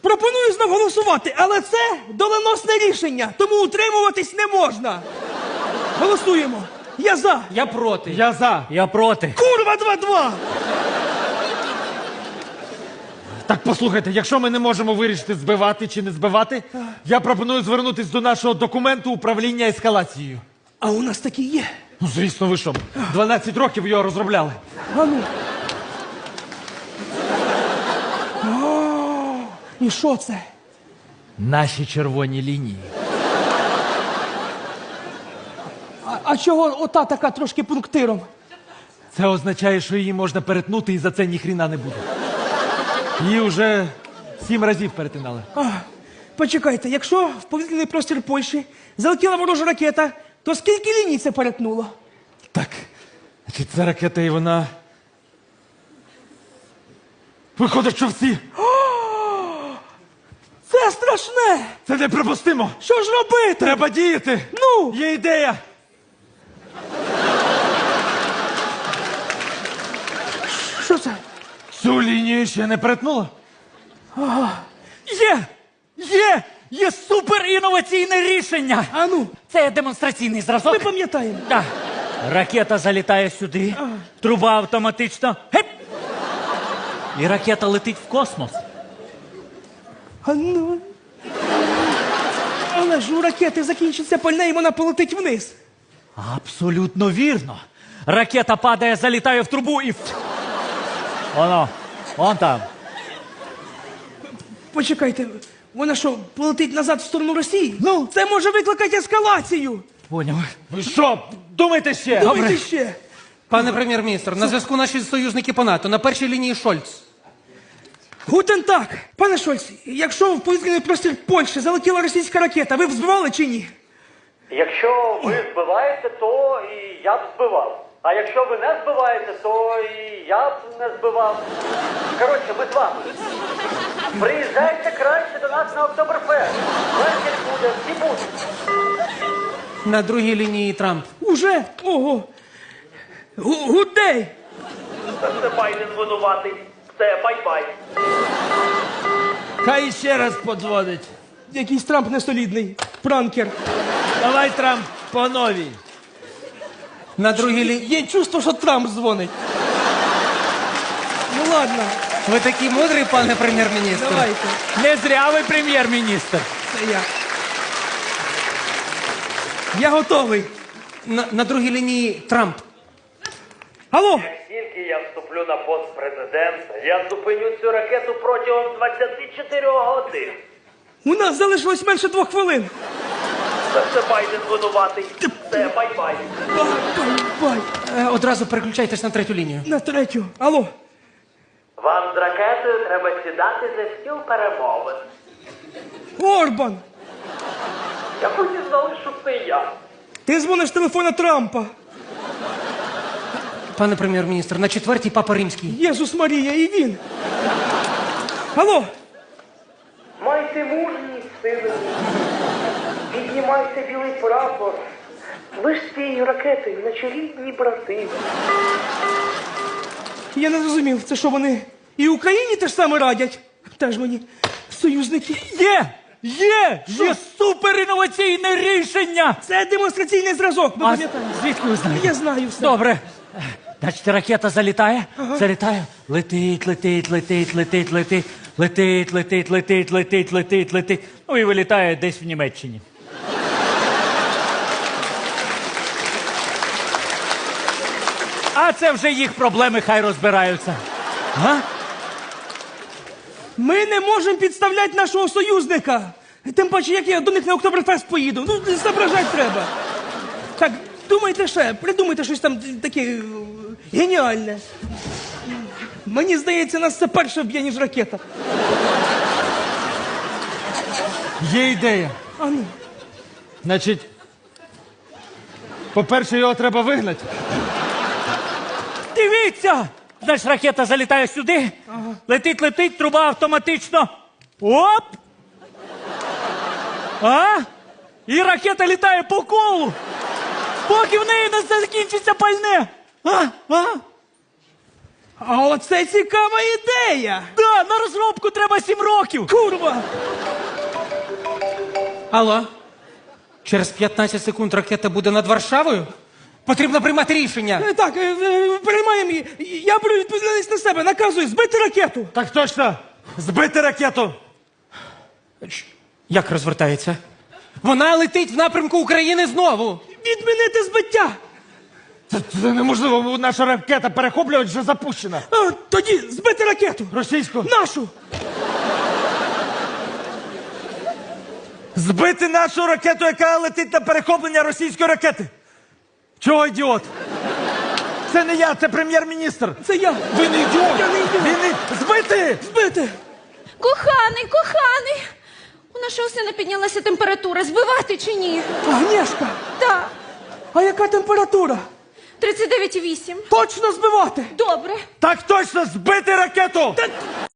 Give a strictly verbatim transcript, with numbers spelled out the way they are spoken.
Пропоную знов голосувати, але це доленосне рішення, тому утримуватись не можна. Голосуємо. Я за. Я проти. Я за. Я проти. Курва два-два. Так, послухайте, якщо ми не можемо вирішити, збивати чи не збивати, я пропоную звернутися до нашого документу управління ескалацією. А у нас такі є. Ну, звісно, ви що, дванадцять років його розробляли. А ну. О, і що це? Наші червоні лінії. А, а чого ота така трошки пунктиром? Це означає, що її можна перетнути і за це ніхріна не буде. Її вже сім разів перетинали. А, почекайте, якщо в повітряний простір Польщі залетіла ворожа ракета, то скільки ліній це перетнуло? Так, значить, ця ракета і вона... Виходить, що всі. Це страшне! Це неприпустимо. Що ж робити? Треба діяти. Ну? Є ідея. Що це? Цю лінію ще не перетнула? Є! Є! Є суперінноваційне рішення! А ну, Це демонстраційний зразок. ми пам'ятаємо. Так. Ракета залітає сюди, труба автоматично. Геп! І ракета летить в космос. А ну. Але ж у ракети закінчиться пальне і вона полетить вниз. Абсолютно вірно. Ракета падає, залітає в трубу і... Воно, вон там. Почекайте, вона що, полетить назад в сторону Росії? Ну, це може викликати ескалацію. Поняв. Ви що, думайте ще? Думайте ще. Пане прем'єр-міністр, на зв'язку наші союзники по НАТО. На першій лінії Шольц. Гутен так. Пане Шольц, якщо в повітряний простір Польщі залетіла російська ракета, ви б збивали чи ні? Якщо ви збиваєте, то і я б збивав. А якщо ви не збиваєте, то і я б не збивав. Коротше, ми з вами. Приїжджайте краще до нас на Октоберфест. Вечір буде, всі будуть. На другій лінії Трамп. Уже? Ого. Гу- Гудей. Це Байден винуватий. Все, бай-бай. Хай ще раз подзвонить. Якийсь Трамп несолідний. Пранкер. Давай, Трамп, по новій. На другій лінії... Є чувство, що Трамп дзвонить. Ну ладно, Ви такий мудрий, пане прем'єр-міністр. давайте. Не зря ви прем'єр-міністр. Це я. Я готовий. На, на другій лінії Трамп. Алло. Як тільки я вступлю на пост президента, я зупиню цю ракету протягом двадцяти чотирьох годин. У нас залишилось менше двох хвилин. Це Байден винуватий. Все, бай-бай. Бай, бай, бай. Е, одразу переключайтесь на третю лінію. На третю. Алло. Вам з ракетою треба сідати за стіл перемовин. Орбан. Як ви дізнали, що це я? Ти дзвониш з телефона Трампа. Пане прем'єр-міністр, на четвертій Папа Римський. Єсус Марія, і він. Алло. Майте мужність, сили. Піднімайте білий прапор. Ви ж з цією ракетою наче рідні брати. Я не зрозумів, це що вони і Україні те ж саме радять? Теж мені союзники. Є! Є! Є суперінноваційне рішення! Це демонстраційний зразок, ми А пам'ятаємо. звідки ви знаєте? Я знаю все. Добре. Значить, ракета залітає, залітає, летить, летить, летить, летить, летить, летить, летить, летить, летить, летить, летить, ну і вилітає десь в Німеччині. А це вже їх проблеми, хай розбираються. Га? Ми не можемо підставляти нашого союзника. Тим паче, як я до них на Октоберфест поїду. Ну, зображати треба. Так, думайте ще, придумайте щось там таке е, геніальне. Мені здається, нас це перше вб'є, ніж ракета. Є ідея. А ну. Значить, по-перше, його треба вигнати. Дивіться! Значить, ракета залітає сюди, летить, летить, труба автоматично. Оп! А? І ракета літає по колу, поки в неї не закінчиться пальне. А? А? А оце цікава ідея! Да, на розробку треба сім років. Курва! Алло? Через п'ятнадцять секунд ракета буде над Варшавою? Потрібно приймати рішення. Е, Так, е, е, приймаємо її. Я беру відповідальність на себе. Наказую збити ракету. Так точно! Збити ракету! Як розвертається? Вона летить в напрямку України знову. Відмінити збиття. Це, це неможливо, наша ракета перехоплювач вже запущена. А, тоді збити ракету. Російську. Нашу. Збити нашу ракету, яка летить на перехоплення російської ракети. Чого ідіот? Це не я, це прем'єр-міністр. Це я. Ви не ідіот! Я не ідіот. Він не... Збити! Збити. Коханий, коханий! У нашого сина піднялася температура. Збивати чи ні? Агнєшка, Так. а яка температура? тридцять дев'ять і вісім. Точно збивати. Добре. Так точно, збити ракету! Та